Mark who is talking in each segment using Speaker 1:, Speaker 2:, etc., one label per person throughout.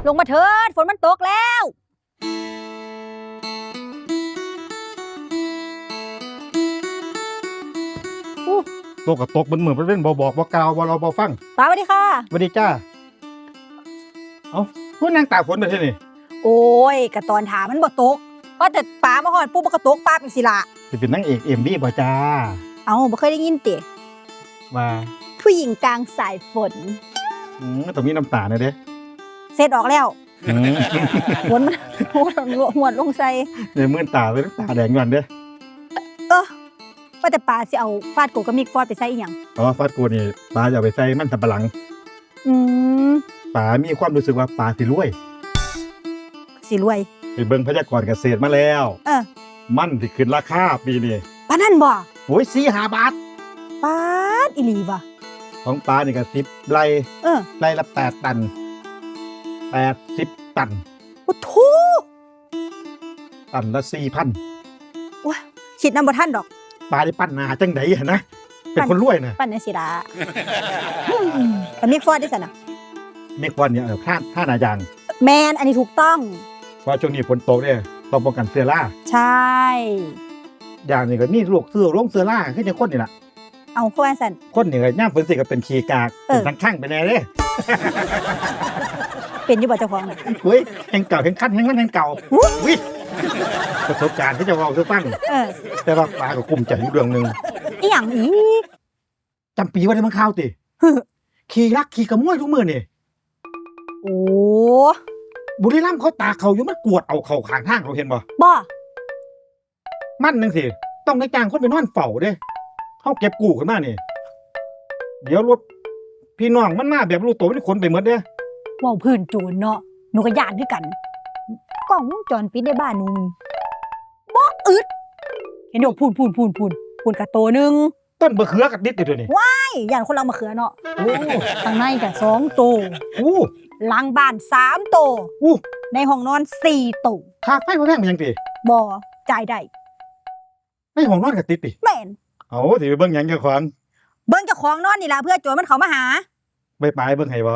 Speaker 1: ลงมาเถิดฝนมันตกแล้ว
Speaker 2: ตกกับตกมันเหมือนเป็นบอกบ่กล่าวบ่เราบ่ฟัง
Speaker 1: ป้าสวัสดีค่ะ
Speaker 2: สวัสดีจ้าเอ้าพูดนางตากฝนได้ที่นี่
Speaker 1: โอ้ยกะตอนถามมันบ่ตกเพราะแต่ป้ามาฮอดปุ๊บมันก็ตกป้าเป็นสิล่ะ
Speaker 2: สิเป็นนางเอกเอ็มบี้บ่จ้า
Speaker 1: เอ้าบ่เคยได้ยินติ
Speaker 2: ว่า
Speaker 1: ผู้หญิงกลางสายฝน
Speaker 2: ต้องมีน้ำตาหน่อยเด้
Speaker 1: เสร็จออกแล้วฝนมันหวดลงใส่
Speaker 2: เดี๋ยวมื่นตาเลยน้ำตาแดงก่อนเด้
Speaker 1: ว่าแต่ป้าสิเอาฟาดโกกับมิกฟอดไปใส่อีหยัง
Speaker 2: ฟาดกูนี่ปลาจะเอาไปใส่มันสับปะหลังปลามีความรู้สึกว่าปลาสิรวยไปเบิ่งพยากรณ์เกษตรมาแล้วมันสิขึ้นราคาปีนี้
Speaker 1: ปานนั้นบ่
Speaker 2: โอ้ย4-5 บาท
Speaker 1: ปาดอีหลีว่ะ
Speaker 2: ของปลานี่ก็10ไร่ไร่ละ8 ตัน80 ตัน
Speaker 1: โอ้โธ
Speaker 2: ตันละ 4,000
Speaker 1: ว้าคิดนำบ่ทันดอก
Speaker 2: ปลาได้ปั้นหน้าจังได๋นะเป็นคนรวยนะ
Speaker 1: ปั้นในสิล่ะกับมิกฟอดได้ซั่นน่ะ
Speaker 2: มิกฟอดเนี่ยท่าหน้ายาง
Speaker 1: แมนอันนี้ถูกต้อง
Speaker 2: ว่าช่วงนี้ฝนตกเนี่ยต้องป้องกันเชื้อรา
Speaker 1: ใช่
Speaker 2: อย่างนี้ก็มีโรคเชื้อราคือจังคนนี่ล่ะ
Speaker 1: เอาเพราะว่าซั่น
Speaker 2: คนนี่ก็ย่ามฝนสิก็เป็นขี้กากเป็นทั้งข้างไปแน่เด้
Speaker 1: เป็นอยู่บ่เจ้าของ
Speaker 2: เฮ้ยแห่งเก่าแห่งคันแห่งมันแห่งเก่าอุ้ยประสบการณ์ที่จะเว้าสู่ฟังแต่ว่าปลาก็กุมใจอยู่เรื่องนึง
Speaker 1: อีหยังอีก
Speaker 2: จำปีว่าได้มันข่าวติขี่รักขี่กระมวยทุกมื้อนี่
Speaker 1: โอ้
Speaker 2: บุรีรัมย์เขาตาเขาอยู่มันกวดเอาเข้าข้างทางเขาเห็นบ่มันจังซี่ต้องได้จ้างคนไปนอนเฝ้าเด้เฮาเก็บกู้ขึ้นมานี่เดี๋ยวรถพี่น้องมันมาแบบรู้ตัวมันขนไปหมดเด้
Speaker 1: ว้าวพื้นโจรเนาะหนูก็ย้านคือกันกล้องวงจรปิดในบ้านหนูบ่อึดเห็นดอกพูนกะโตนึง
Speaker 2: ต้นมะเขือกับดิดอยู่นี่
Speaker 1: ว้ายย่านคนเรามะเขือเนาะข้างในก็2 โตหลังบ้าน3 โตในห้องนอน4 โต
Speaker 2: ค่าไฟบ่แพงมันจังติ
Speaker 1: บ่จ่ายได้
Speaker 2: ในห้องนอนก็ติดติ
Speaker 1: แม่น
Speaker 2: เอาสิไปเบิ่งหยังเจ้าของ
Speaker 1: เบิ่งเจ้าของนอนนี่ล่ะเพื่อโจรมันเข้ามาหา
Speaker 2: ไปเบิ่งให้บ่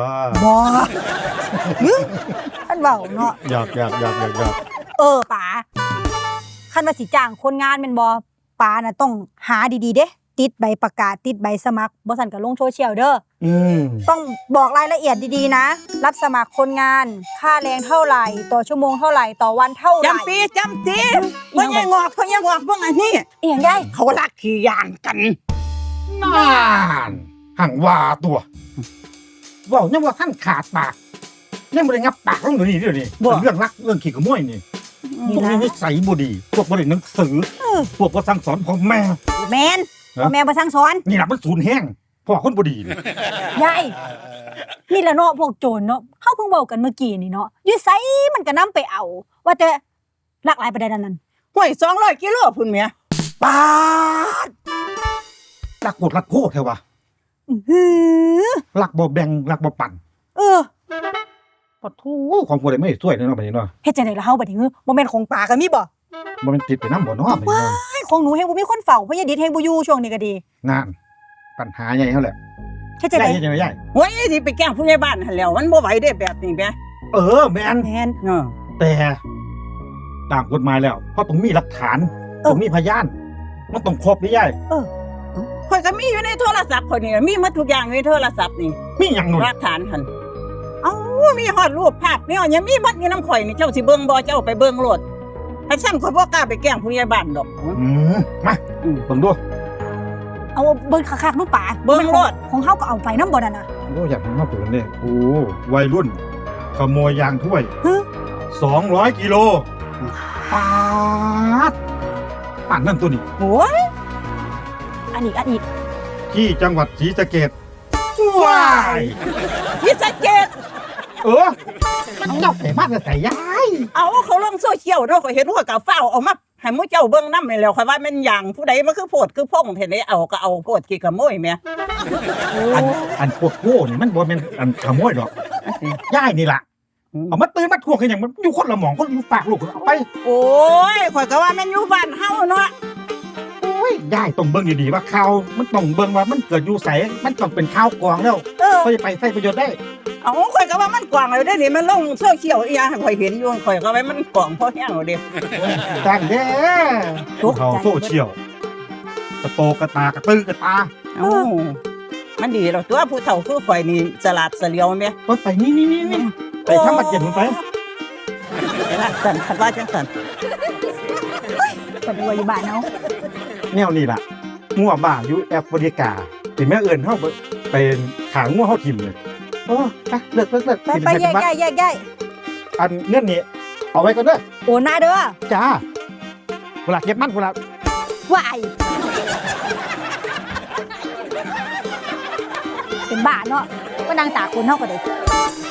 Speaker 1: ท่านเว้าเนาะ
Speaker 2: อยาก
Speaker 1: ป๋าคันว่าสิจ้างคนงานแม่นบ่ป๋าน่ะต้องหาดีๆเด้ติดใบประกาศติดใบสมัครบ่ซั่นก็ลงโซเชียลเด้อต้องบอกรายละเอียดดีๆนะรับสมัครคนงานค่าแรงเท่าไหร่ต่อชั่วโมงเท่าไหร่ต่อวันเท่าไหร่
Speaker 3: จำปีบ่ยังงอกเบิ่งอันนี้
Speaker 1: อีหยังได้
Speaker 3: เขาลักขี้ยานกัน
Speaker 2: นานหังว่าตัวเว้ายังว่าท่านขาดปากยังบ่ได้งับปากของหนูนี่เดี๋ยวนี้เรื่องรักเรื่องขี้ขโมยนี่พวกนี้นิสัยบ่ดีพวกบ่ได้หนังสือพวกบ่สั่งสอนพ่อแม่
Speaker 1: แม่นพ่อแม่บ่สั่งสอน
Speaker 2: นี่ล่ะมันสูญแห้งพ่อคนบ่ดี
Speaker 1: ยายนี่ล่ะเนาะพวกโจรเนาะเฮาเพิ่งเว้ากันเมื่อกี้นี่เนาะอยู่ไสมันก็นำไปเอาว่าแต่ลักหลายปานใดนั่น
Speaker 3: ห้วย200 กิโลพุ่นแหม
Speaker 2: ปาดลักโคตรลักโคตรแท้ว่ะลักบ่แบ่งลักบ่ปั่นปะทูของผู้ใดไม่ช่วยเนาะบัดนี้เนาะ
Speaker 1: เฮ็ดจังได๋ล่ะเฮาบัดนี้บ่แม่นของป่าก็มีบ่
Speaker 2: แม่นติดไปนำบ่เนาะบัดนี้
Speaker 1: ของหนูแฮงบ่มีคนเฝ้าเพราะยายดิดแฮงบ่อยู่ช่วงนี้ก็ดี
Speaker 2: นั่นปัญหาใหญ่เฮาแหละ
Speaker 1: เฮ็ดจังได๋
Speaker 2: ใหญ่
Speaker 3: โอ้ยสิไปแกล้งผู้ใหญ่บ้านหั่นแล้วมันบ่ไหวเด้แบบนี้แหม
Speaker 2: แม่นแต่ตามกฎหมายแล้วเพราะต้องมีหลักฐานต้องมีพยานมันต้องครบดิยาย
Speaker 3: ข่อยก็มีอยู่ในโทรศัพท์ข่อยนี่มีหมดทุกอย่างในโทรศัพท์นี่
Speaker 2: มีหยังหนู
Speaker 3: หลักฐานหั่นมีฮอดรูปภาพมีฮอดยังมีบัดอยู่นำข่อยนี่เจ้าสิเบิ่งบ่เจ้าไปเบิ่งโลดให้ซ้ำข่อยบ่กล้าไปแกล้งผู้ใหญ่บ้านดอก
Speaker 2: มาเบิ่งดู
Speaker 1: เอาเบิ่งคักๆดูป่า
Speaker 3: เบิ่งโลด
Speaker 1: ของเฮาก็เอาไปนำบ่นั่นน่ะ
Speaker 2: อยากมาเปิดนี่วัยรุ่นขโมยยางถ้วย200 กิโลปั่นนั่นตัวนี้
Speaker 1: โอ้ยอันอีก
Speaker 2: ที่จังหวัดศรีสะเกษว้าย
Speaker 3: ศรีสะเกษ
Speaker 2: มันเจ้าไปบ้านแต่ยาย
Speaker 3: เขาลงโซเชียลเนาะข่อยเห็นว่าก็ฟ้าวเอามาให้หมู่เจ้าเบิ่งนำนี่แล้วข่อยว่าแม่นหยังผู้ใดมันคือโพดคือพ่งเห็นได้เอาก็เอาโพดขี้ขโมยแม่
Speaker 2: อันพวกโง่นี่มันบ่แม่นอันขโมยดอกยายนี่ล่ะเอามาตื่นมาทวงกันอย่างมันอยู่คนละหม่องคนอยู่ปากลูกเอาไป
Speaker 3: โอ้ยข่อยก็ว่าแม่นอยู่บ้านเฮาเนาะ
Speaker 2: ยายต้องเบิ่งดีๆว่าข่าวมันต้องเบิ่งว่ามันเกิดอยู่ไสมันต้องเป็นข่าวกองแล้วก็จะไปใช้ประโยชน์ได้
Speaker 3: เอาข่อยก็ว่ามันกว้างแล้วเด้นี่มันลงโซเชียลอีหยังให้ข่อยเห็นอยู่ข่อยก็ว่ามันกว้างพอแห้งแล้วเด้
Speaker 2: จังเด้เขาโซเชียลกระโตกระตากระตื้อกระตา
Speaker 3: เอ้ามันดีแล้วตัวผู้เฒ่าคือข่อยนี่สลาดเสลียวแม่
Speaker 2: ไปนี่ไปทำบัตรเย็นมึงไป
Speaker 3: ไปละสั่นคันว่าจังสั่น
Speaker 1: ก็ไปว่าอยู่บ้านเนาะ
Speaker 2: แนวนี่ล่ะงัวบ้าอยู่แอฟริกาถึงแม่เอิญเข้าไปขางงัวเข้าทิมเลยโอ้ไปเลิก
Speaker 1: ไปแยกย้าย
Speaker 2: อันเงื่อนนี้เอาไว้ก่อนเด้อ
Speaker 1: โอนมาเด้อ
Speaker 2: จ้าเวลาเก็บมันเวลา
Speaker 1: วายเป็นบ้าเนาะก็นางตาคนเฮาก็ได้